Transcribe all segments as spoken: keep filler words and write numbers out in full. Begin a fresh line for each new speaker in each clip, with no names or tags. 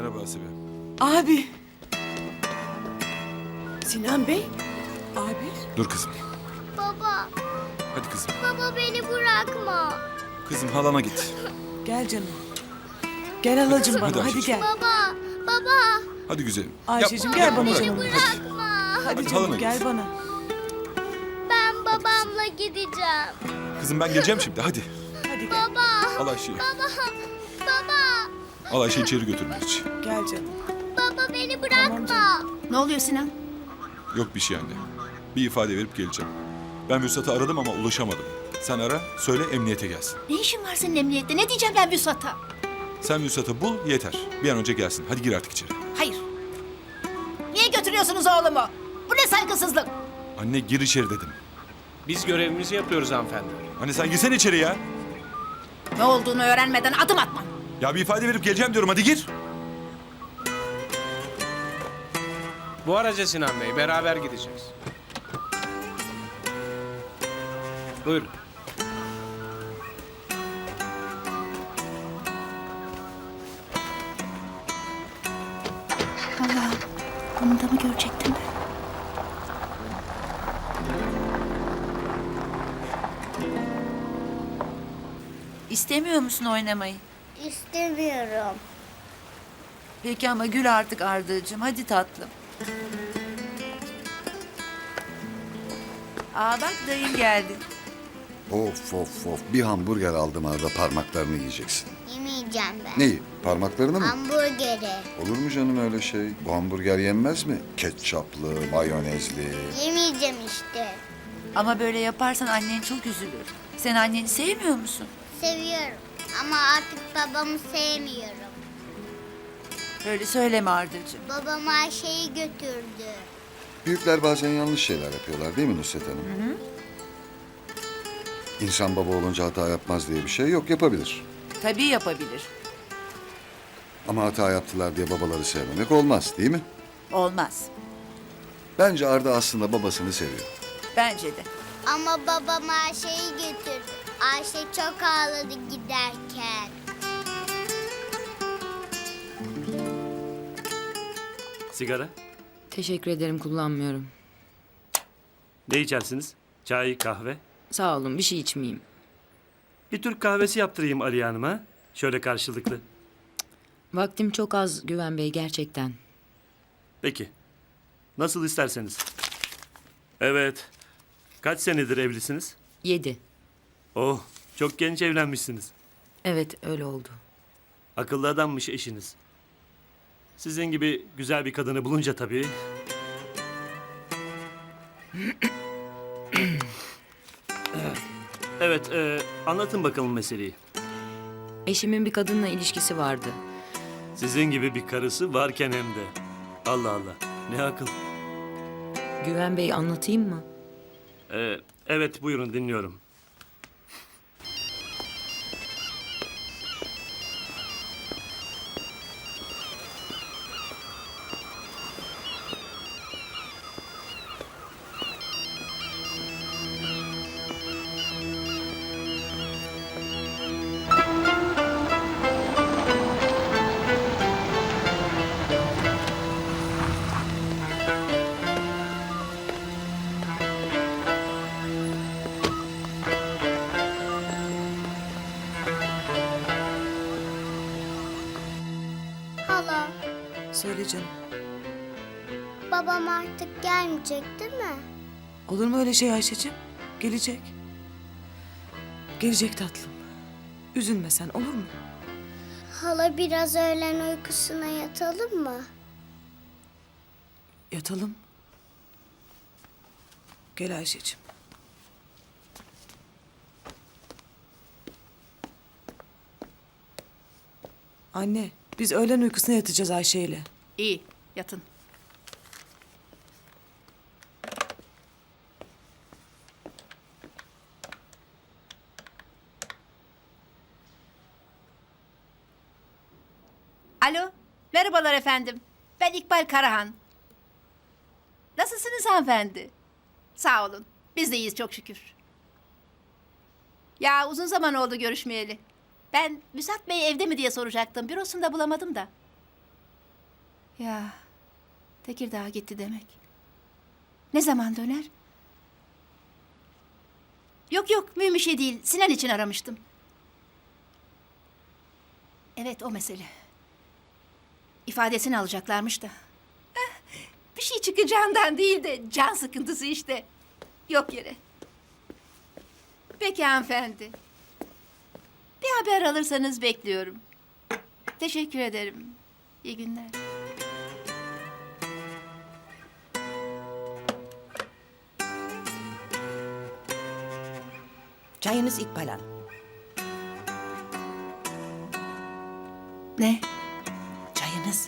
Merhaba Asibe.
Abi. Sinan Bey. Abi.
Dur kızım.
Baba,
Hadi kızım.
baba beni bırakma.
Kızım halana git.
Gel canım. Gel halacığım
Hadi
bana hadi
Ayşeciğim.
gel.
Baba, baba,
Hadi güzelim.
Ayşe'cim
Yapma,
gel bana
yapma,
canım.
bırak.
Hadi,
bırakma.
hadi
Hadi
canım
halana
gel
git.
bana.
Ben babamla gideceğim.
Kızım ben geleceğim şimdi hadi.
Hadi gel.
Baba,
Al Ayşe'yi.
baba, baba,
Al Ayşe'yi içeri götürme hiç.
Gel canım.
baba beni
Tamam
bırakma.
canım.
Ne oluyor Sinan?
Yok bir şey anne. Bir ifade verip geleceğim. Ben Vüsat'ı aradım ama ulaşamadım. Sen ara, söyle emniyete gelsin.
Ne işin var senin emniyette? Ne diyeceğim ben Vüsat'a?
Sen Vüsat'ı bul yeter. Bir an önce gelsin. Hadi gir artık içeri.
Hayır. Niye götürüyorsunuz oğlumu? Bu ne saygısızlık?
Anne gir içeri dedim.
Biz görevimizi yapıyoruz hanımefendi.
Anne sen girsene içeri ya.
Ne olduğunu öğrenmeden adım atma.
Ya bir ifade verip geleceğim diyorum hadi gir.
Bu araca Sinan Bey, beraber gideceğiz. Buyurun.
Allah, bunu da mı görecektim?
İstemiyor musun oynamayı?
İstemiyorum.
Peki ama gül artık Arda'cığım. Hadi tatlım. Aa bak dayın geldi.
Of of of. Bir hamburger aldım arada parmaklarını yiyeceksin.
Yemeyeceğim ben.
Neyi? Parmaklarını mı?
Hamburgeri.
Olur mu canım öyle şey? Bu hamburger yenmez mi? Ketçaplı, mayonezli.
Yemeyeceğim işte.
Ama böyle yaparsan annen çok üzülür. Sen anneni sevmiyor musun?
Seviyorum. Ama artık babamı sevmiyorum.
Öyle söyleme Arda'cığım.
Babam Ayşe'yi götürdü.
Büyükler bazen yanlış şeyler yapıyorlar değil mi Nusret Hanım? Hı hı. İnsan baba olunca hata yapmaz diye bir şey yok, yapabilir.
Tabii yapabilir.
Ama hata yaptılar diye babaları sevmemek olmaz değil mi?
Olmaz.
Bence Arda aslında babasını seviyor.
Bence de.
Ama babam Ayşe'yi götürdü. Ayşe çok ağladı giderken.
Sigara?
Teşekkür ederim, kullanmıyorum.
Ne içersiniz? Çay, kahve?
Sağ olun, bir şey içmeyeyim.
Bir Türk kahvesi yaptırayım Ali Hanım'a. Şöyle karşılıklı.
Vaktim çok az Güven Bey, gerçekten.
Peki. Nasıl isterseniz. Evet. Kaç senedir evlisiniz?
Yedi.
Oh, çok genç evlenmişsiniz.
Evet, öyle oldu.
Akıllı adammış eşiniz. Sizin gibi güzel bir kadını bulunca tabii. Evet, e, anlatın bakalım meseleyi.
Eşimin bir kadınla ilişkisi vardı.
Sizin gibi bir karısı varken hem de. Allah Allah, ne akıl.
Güven Bey, anlatayım mı?
Ee, evet, buyurun dinliyorum.
Hala,
Söyle canım.
babam artık gelmeyecek değil mi?
Olur mu öyle şey Ayşe'cim? Gelecek. Gelecek tatlım. Üzülme sen, olur mu?
Hala biraz öğlen uykusuna yatalım mı?
Yatalım. Gel Ayşe'cim. Anne, biz öğlen uykusuna yatacağız Ayşe'yle.
İyi, yatın. Alo, merhabalar efendim. Ben İkbal Karahan. Nasılsınız hanımefendi? Sağ olun. Biz de iyiyiz çok şükür. Ya uzun zaman oldu görüşmeyeli. Ben Müsat Bey evde mi diye soracaktım. Bürosunda bulamadım da. Ya Tekirdağ'a gitti demek. Ne zaman döner? Yok yok mühim bir şey değil. Sinan için aramıştım. Evet o mesele. İfadesini alacaklarmış da. Eh, bir şey çıkacağından değil de can sıkıntısı işte. Yok yere. Peki hanımefendi. Bir haber alırsanız bekliyorum. Teşekkür ederim. İyi günler.
Çayınız İkbal Hanım.
Ne?
Çayınız.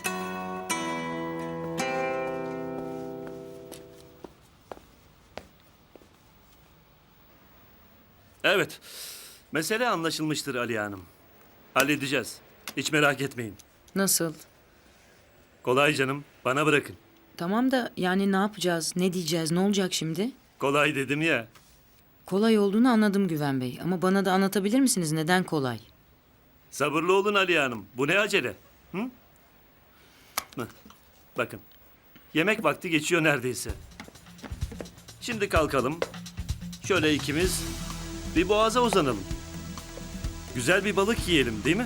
Evet. Mesele anlaşılmıştır Aliye Hanım. Halledeceğiz. Hiç merak etmeyin.
Nasıl?
Kolay canım. Bana bırakın.
Tamam da yani ne yapacağız? Ne diyeceğiz? Ne olacak şimdi?
Kolay dedim ya.
Kolay olduğunu anladım Güven Bey. Ama bana da anlatabilir misiniz neden kolay?
Sabırlı olun Aliye Hanım. Bu ne acele? Hı? Hı. Bakın. Yemek vakti geçiyor neredeyse. Şimdi kalkalım. Şöyle ikimiz bir boğaza uzanalım. Güzel bir balık yiyelim değil mi?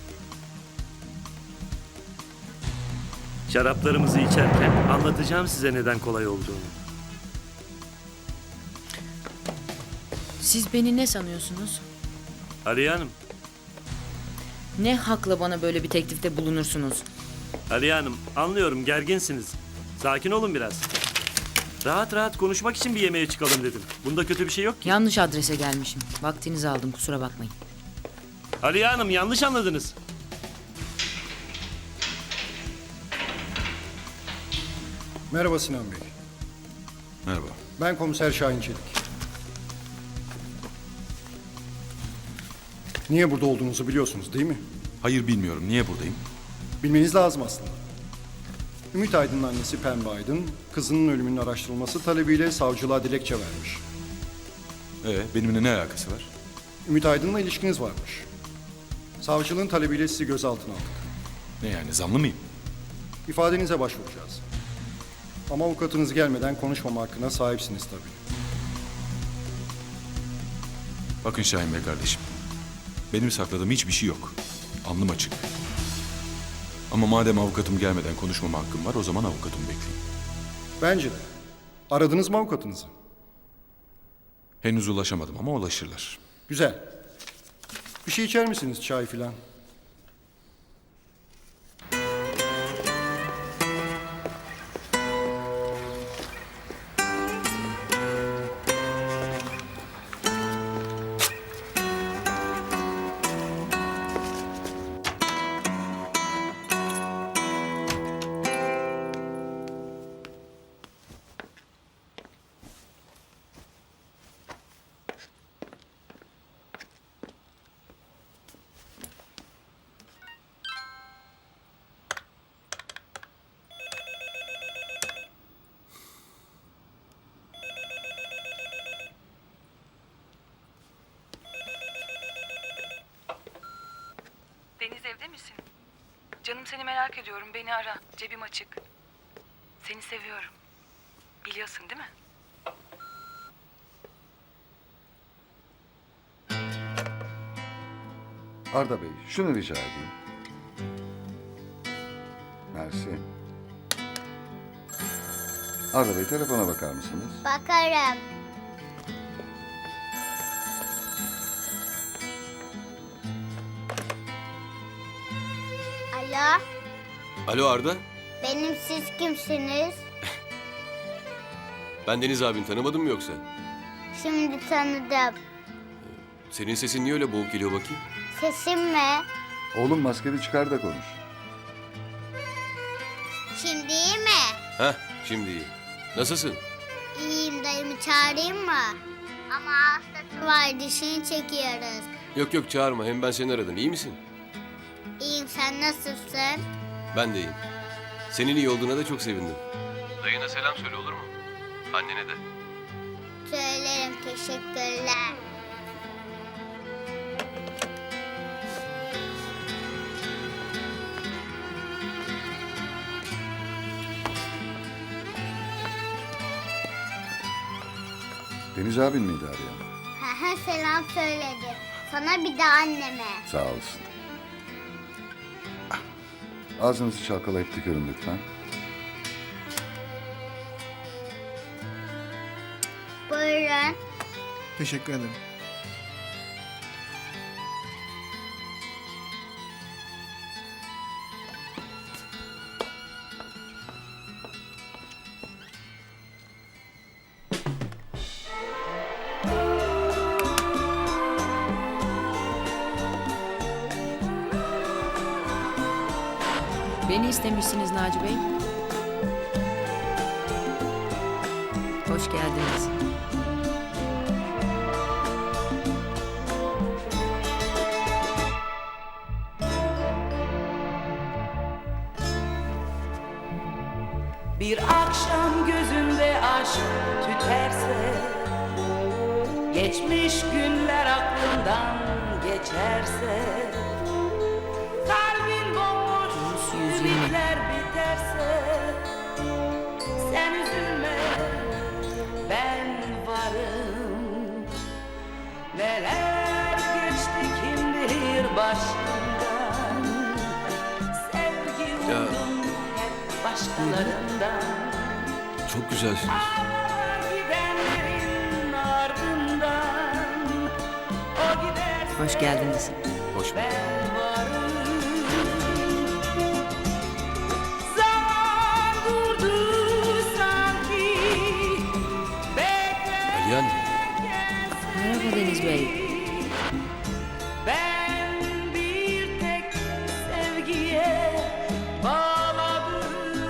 Şaraplarımızı içerken anlatacağım size neden kolay olduğunu.
Siz beni ne sanıyorsunuz?
Aliye Hanım,
Ne hakla bana böyle bir teklifte bulunursunuz?
Aliye Hanım anlıyorum gerginsiniz. Sakin olun biraz. Rahat rahat konuşmak için bir yemeğe çıkalım dedim. Bunda kötü bir şey yok ki.
Yanlış adrese gelmişim. Vaktinizi aldım kusura bakmayın.
Aliye Hanım yanlış anladınız.
Merhaba Sinan Bey.
Merhaba.
Ben komiser Şahin Çelik. Niye burada olduğunuzu biliyorsunuz değil mi?
Hayır bilmiyorum. Niye buradayım?
Bilmeniz lazım aslında. Ümit Aydın'ın annesi Pembe Aydın, kızının ölümünün araştırılması talebiyle savcılığa dilekçe vermiş.
Ee, benimle ne alakası var?
Ümit Aydın'la ilişkiniz varmış. Savcılığın talebiyle sizi gözaltına aldık.
Ne yani zanlı mıyım?
İfadenize başvuracağız. Ama avukatınız gelmeden konuşmama hakkına sahipsiniz tabii.
Bakın Şahin Bey kardeşim. Benim sakladığım hiçbir şey yok. Alnım açık. Ama madem avukatım gelmeden konuşmama hakkım var o zaman avukatımı bekleyin.
Bence de. Aradınız mı avukatınızı?
Henüz ulaşamadım ama ulaşırlar.
Güzel. Bir şey içer misiniz, çay filan?
Deniz evde misin? Canım seni merak ediyorum. Beni ara. Cebim açık. Seni seviyorum. Biliyorsun değil mi?
Arda Bey, şunu rica edeyim. Mersi. Arda Bey, telefona bakar mısınız?
Bakarım. Alo,
Alo Arda.
benim siz kimsiniz?
Ben Deniz abin tanımadın mı yoksa?
Şimdi tanıdım.
Senin sesin niye öyle boğuk geliyor bakayım?
Sesim mi?
Oğlum maskeni çıkar da konuş.
Şimdi iyi mi?
Heh şimdi iyi. Nasılsın?
İyiyim, dayımı çağırayım mı? Ama hastası var, dişini çekiyoruz.
Yok yok çağırma hem ben seni aradım. İyi misin?
İyiyim, sen nasılsın?
Ben de iyiyim. Senin iyi olduğuna da çok sevindim. Dayına selam söyle olur mu? Annene de.
Söylerim, teşekkürler.
Deniz abin miydi arayan?
Hehe, selam söyledi. Sana bir de anneme.
Sağ olsun. Ah, ağzınızı çalkalayıp tükürün lütfen.
Buyurun.
Teşekkür ederim.
Beni istemişsiniz Naci Bey. Hoş geldiniz.
Bir akşam gözünde aşk tüterse, geçmiş günler aklından geçerse, kalbin bomboş,
yüz yirmi.
ümitler biterse, sen üzülme, ben varım. Neler geçti kim bilir başından, sevgi
Ya.
umdum hep başkalarından.
Çok güzelsiniz.
Gidenlerin ardından o giderse
Hoş geldiniz.
Hoş bulduk.
ben varım. Zaman durdu sanki, beklerken
Aliyan,
Merhaba Deniz Bey.
ben bir tek sevgiye bağladım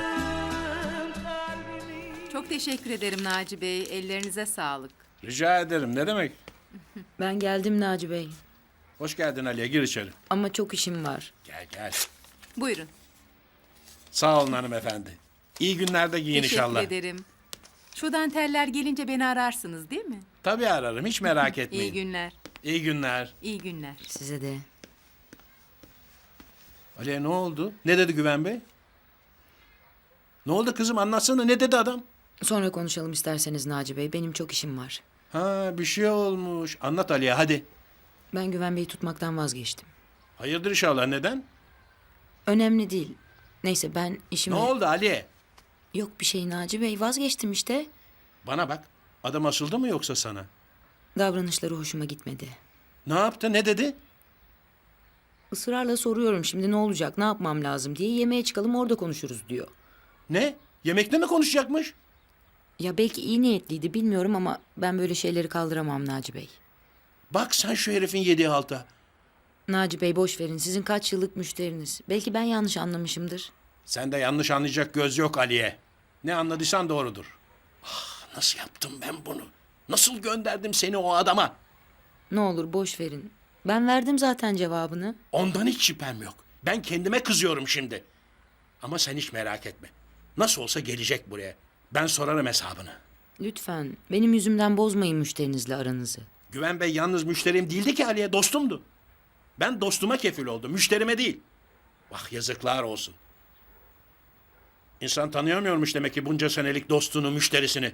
kalbimi.
Çok teşekkür ederim Naci Bey. Ellerinize sağlık.
Rica ederim. Ne demek?
Ben geldim Naci Bey.
Hoş geldin Aliye. Gir içeri.
Ama çok işim var.
Gel gel.
Buyurun.
Sağ olun hanımefendi. İyi günlerde giyin
Teşekkür
inşallah.
ederim. Şu danteller gelince beni ararsınız değil mi?
Tabii ararım. Hiç merak etmeyin.
İyi günler.
İyi günler.
İyi günler.
Size de.
Aliye ne oldu? Ne dedi Güven Bey? Ne oldu kızım? Anlatsana. Ne dedi adam?
Sonra konuşalım isterseniz Naci Bey. Benim çok işim var.
Ha, bir şey olmuş. Anlat Aliye hadi.
Ben Güven Bey'i tutmaktan vazgeçtim.
Hayırdır inşallah. Neden?
Önemli değil. Neyse ben işimi...
Ne oldu Aliye?
Yok bir şey Naci Bey. Vazgeçtim işte.
Bana bak. Adam asıldı mı yoksa sana?
Davranışları hoşuma gitmedi.
Ne yaptı? Ne dedi?
Israrla soruyorum şimdi ne olacak, ne yapmam lazım diye. Yemeğe çıkalım orada konuşuruz diyor.
Ne? Yemekte mi konuşacakmış?
Ya belki iyi niyetliydi bilmiyorum ama ben böyle şeyleri kaldıramam Naci Bey.
Bak sen şu herifin yediği halta.
Naci Bey boş verin. Sizin kaç yıllık müşteriniz. Belki ben yanlış anlamışımdır.
Sen de yanlış anlayacak göz yok Aliye. Ne anladıysan doğrudur. Ah, nasıl yaptım ben bunu? Nasıl gönderdim seni o adama?
Ne olur boş verin. Ben verdim zaten cevabını.
Ondan hiç şüphem yok. Ben kendime kızıyorum şimdi. Ama sen hiç merak etme. Nasıl olsa gelecek buraya. Ben sorarım hesabını.
Lütfen benim yüzümden bozmayın müşterinizle aranızı.
Güven Bey yalnız müşterim değildi ki Aliye, dostumdu. Ben dostuma kefil oldum, müşterime değil. Bak yazıklar olsun. İnsan tanıyamıyormuş demek ki bunca senelik dostunu, müşterisini.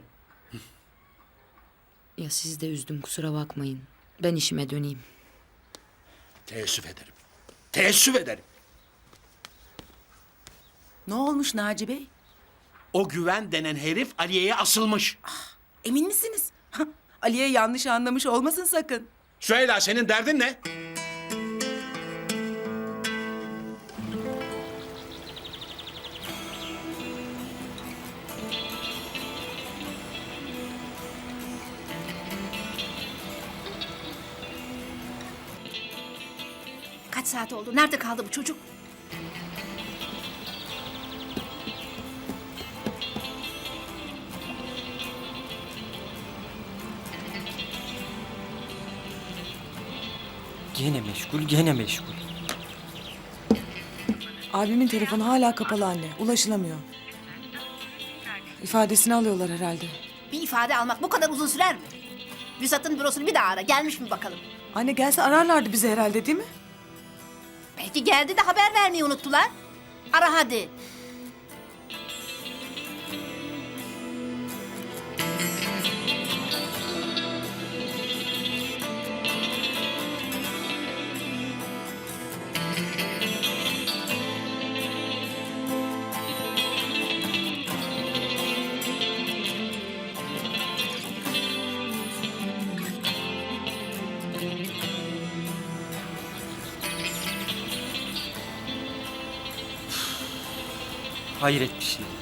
Ya siz de üzdüm kusura bakmayın. Ben işime döneyim.
Teessüf ederim. Teessüf ederim.
Ne olmuş Naci Bey?
O Güven denen herif Aliye'ye asılmış.
Emin misiniz? Aliye yanlış anlamış olmasın sakın.
Süheyla senin derdin ne?
Kaç saat oldu? Nerede kaldı bu çocuk?
Gene meşgul, gene meşgul.
Abimin telefonu hala kapalı anne. Ulaşılamıyor. İfadesini alıyorlar herhalde.
Bir ifade almak bu kadar uzun sürer mi? Vüsat'ın bürosunu bir daha ara. Gelmiş mi bakalım?
Anne gelse ararlardı bizi herhalde değil mi?
Belki geldi de haber vermeyi unuttular. Ara hadi.
Hayret bir şey.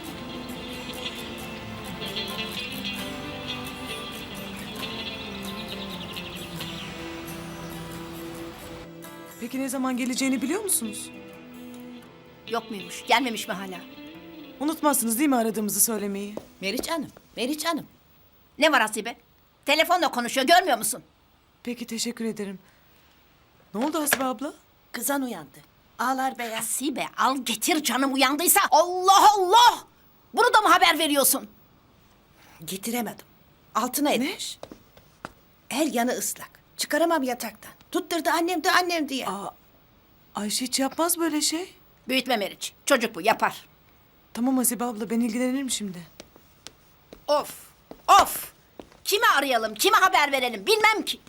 Peki ne zaman geleceğini biliyor musunuz?
Yok muymuş? Gelmemiş mi hala?
Unutmazsınız değil mi aradığımızı söylemeyi?
Meriç Hanım, Meriç Hanım.
Ne var Hasibe? Telefonla konuşuyor, görmüyor musun?
Peki teşekkür ederim. Ne oldu Hasibe abla?
Kızan uyandı. Ağlar beyaz.
Hasibe al getir canım uyandıysa. Allah Allah! Bunu da mı haber veriyorsun?
Getiremedim. Altına etmiş. Her yanı ıslak. Çıkaramam yataktan. Tutturdu annem de annem diye.
Aa, Ayşe hiç yapmaz böyle şey.
Büyütme Meriç. Çocuk bu, yapar.
Tamam Hasibe abla ben ilgilenirim şimdi.
Of, of! Kimi arayalım, kime haber verelim bilmem ki.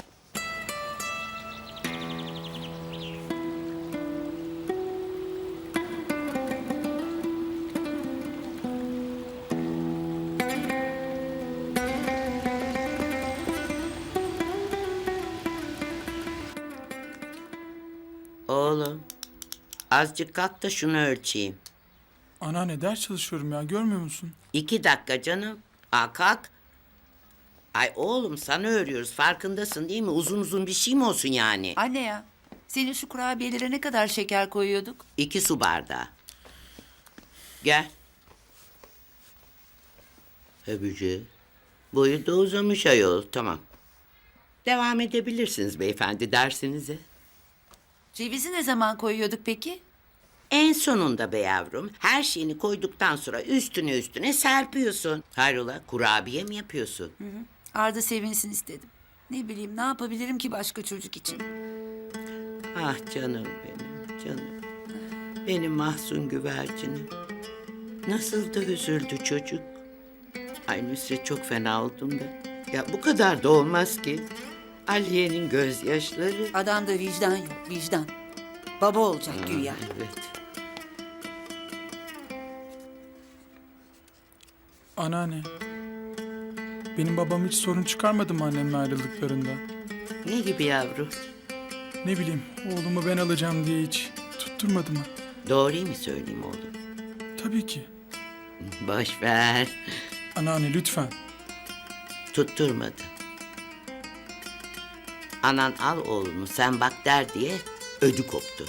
Oğlum, azıcık kalk da şunu ölçeyim.
Anneanne ders çalışıyorum ya, görmüyor musun?
İki dakika canım. Aa, kalk. Ay oğlum sana örüyoruz, farkındasın değil mi? Uzun uzun bir şey mi olsun yani?
Anne ya, senin şu kurabiyelere ne kadar şeker koyuyorduk?
İki su bardağı. Gel. Öbücü. Boyu da uzamış ayol, tamam. Devam edebilirsiniz beyefendi dersinize.
Cevizi ne zaman koyuyorduk peki?
En sonunda be yavrum, her şeyini koyduktan sonra üstüne üstüne serpiyorsun. Hayrola, kurabiye mi yapıyorsun?
Arda sevinsin istedim. Ne bileyim ne yapabilirim ki başka çocuk için?
Ah canım benim, canım. Benim mahzun güvercinim. Nasıl da üzüldü çocuk. Ay Nusret, çok fena oldum da. Ya bu kadar da olmaz ki. Aliye'nin gözyaşları.
Adamda vicdan yok, vicdan. Baba olacak güya.
Evet.
Anneanne. Benim babam hiç sorun çıkarmadı mı annemle ayrıldıklarında?
Ne gibi yavrum?
Ne bileyim, oğlumu ben alacağım diye hiç tutturmadı mı?
Doğruyu mu söyleyeyim oğlum?
Tabii ki.
Boş ver.
Anneanne lütfen.
Tutturmadı. Anan al oğlunu sen bak der diye ödü koptu.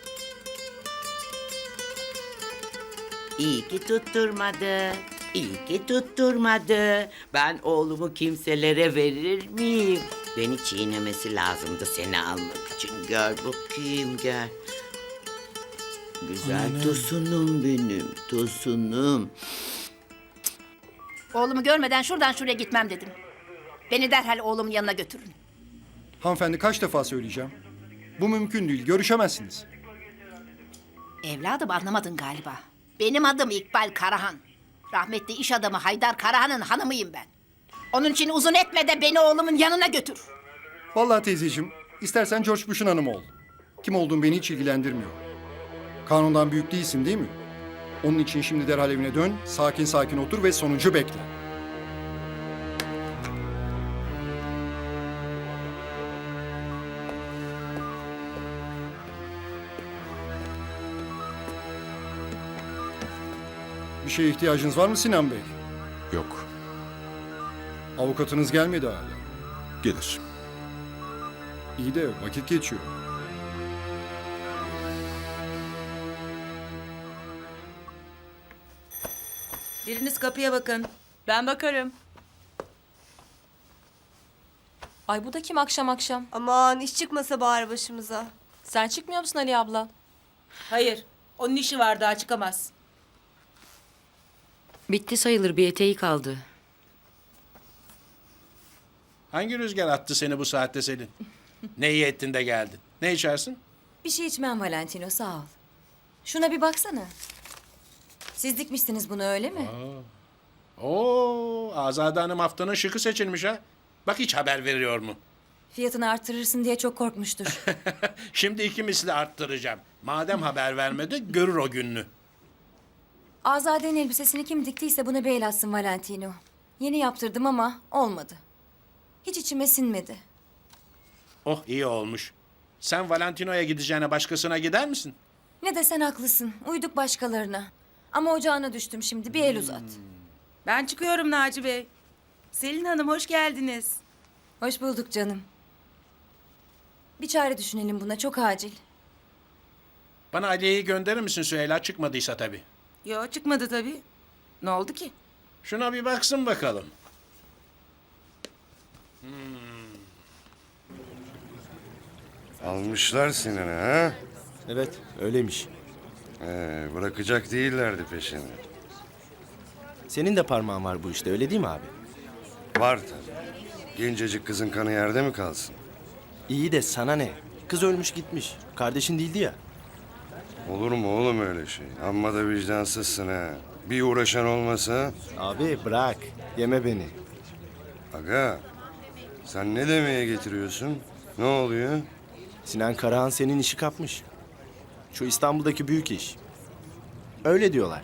İyi ki tutturmadı. İyi ki tutturmadı. Ben oğlumu kimselere verir miyim? Beni çiğnemesi lazımdı seni almak için. Gel bakayım gel. Güzel
Anne.
tosunum benim, tosunum.
Oğlumu görmeden şuradan şuraya gitmem dedim. Beni derhal oğlumun yanına götürün.
Hanımefendi kaç defa söyleyeceğim? Bu mümkün değil, görüşemezsiniz.
Evladım anlamadın galiba. Benim adım İkbal Karahan. Rahmetli iş adamı Haydar Karahan'ın hanımıyım ben. Onun için uzun etme de beni oğlumun yanına götür.
Vallahi teyzeciğim, istersen George Bush'un hanımı ol. Kim olduğun beni hiç ilgilendirmiyor. Kanundan büyük değilsin değil mi? Onun için şimdi derhal evine dön, sakin sakin otur ve sonucu bekle. Bir şeye ihtiyacınız var mı Sinan Bey?
Yok.
Avukatınız gelmedi hala.
Gelir.
İyi de vakit geçiyor.
Biriniz kapıya bakın.
Ben bakarım. Ay bu da kim akşam akşam?
Aman iş çıkmasa bari başımıza.
Sen çıkmıyor musun Ali abla?
Hayır, onun işi var daha çıkamaz.
Bitti sayılır, bir eteği kaldı.
Hangi rüzgar attı seni bu saatte Selin? Ne iyi ettin de geldin. Ne içersin?
Bir şey içmem Valentino sağ ol. Şuna bir baksana. Siz dikmişsiniz bunu öyle mi?
Oo, Azade Hanım haftanın şıkı seçilmiş ha. Bak hiç haber veriyor mu?
Fiyatını artırırsın diye çok korkmuştur.
Şimdi iki misli arttıracağım. Madem haber vermedi görür o gününü.
Azade'nin elbisesini kim diktiyse buna bir el atsın Valentino. Yeni yaptırdım ama olmadı. Hiç içime sinmedi.
Oh iyi olmuş. Sen Valentino'ya gideceğine başkasına gider misin?
Ne desen haklısın. Uyduk başkalarına.
Ama ocağına düştüm şimdi. Bir el uzat.
Ben çıkıyorum Naci Bey. Selin Hanım hoş geldiniz.
Hoş bulduk canım. Bir çare düşünelim buna. Çok acil.
Bana Aliye'yi gönderir misin Süheyla çıkmadıysa tabii.
Yo çıkmadı tabii. Ne oldu ki?
Şuna bir baksın bakalım.
Almışlar Sinan'ı ha?
Evet, öyleymiş.
Ee, bırakacak değillerdi peşini.
Senin de parmağın var bu işte, öyle değil mi abi?
Var tabii. Gencecik kızın kanı yerde mi kalsın?
İyi de sana ne? Kız ölmüş gitmiş. Kardeşin değildi ya.
Olur mu oğlum öyle şey? Amma da vicdansızsın ha. Bir uğraşan olmasa...
Abi bırak, yeme beni.
Aga, sen ne demeye getiriyorsun? Ne oluyor?
Sinan Karahan senin işi kapmış. Şu İstanbul'daki büyük iş. Öyle diyorlar.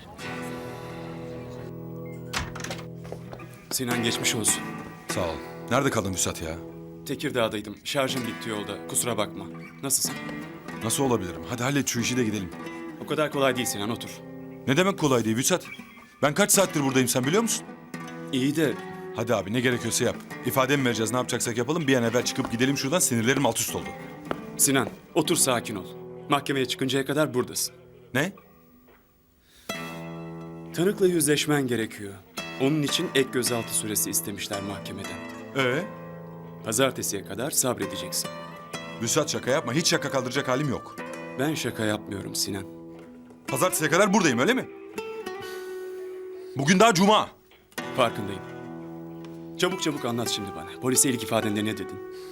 Sinan geçmiş olsun.
Sağ ol. Nerede kaldın Vüsat ya?
Tekirdağ'daydım. Şarjım bitti yolda. Kusura bakma. Nasılsın?
Nasıl olabilirim? Hadi hallet şu işi de gidelim.
O kadar kolay değil Sinan, otur.
Ne demek kolay değil Vüsat? Ben kaç saattir buradayım sen biliyor musun?
İyi de
Hadi abi ne gerekiyorsa yap. İfade mi vereceğiz ne yapacaksak yapalım. Bir an evvel çıkıp gidelim şuradan, sinirlerim alt üst oldu.
Sinan, otur sakin ol. Mahkemeye çıkıncaya kadar buradasın.
Ne?
Tanıkla yüzleşmen gerekiyor. Onun için ek gözaltı süresi istemişler mahkemeden.
Ee?
Pazartesiye kadar sabredeceksin.
Vüsat şaka yapma. Hiç şaka kaldıracak halim yok.
Ben şaka yapmıyorum Sinan.
Pazartesiye kadar buradayım öyle mi? Bugün daha cuma.
Farkındayım. Çabuk çabuk anlat şimdi bana. Polise ilk ifadende ne dedin?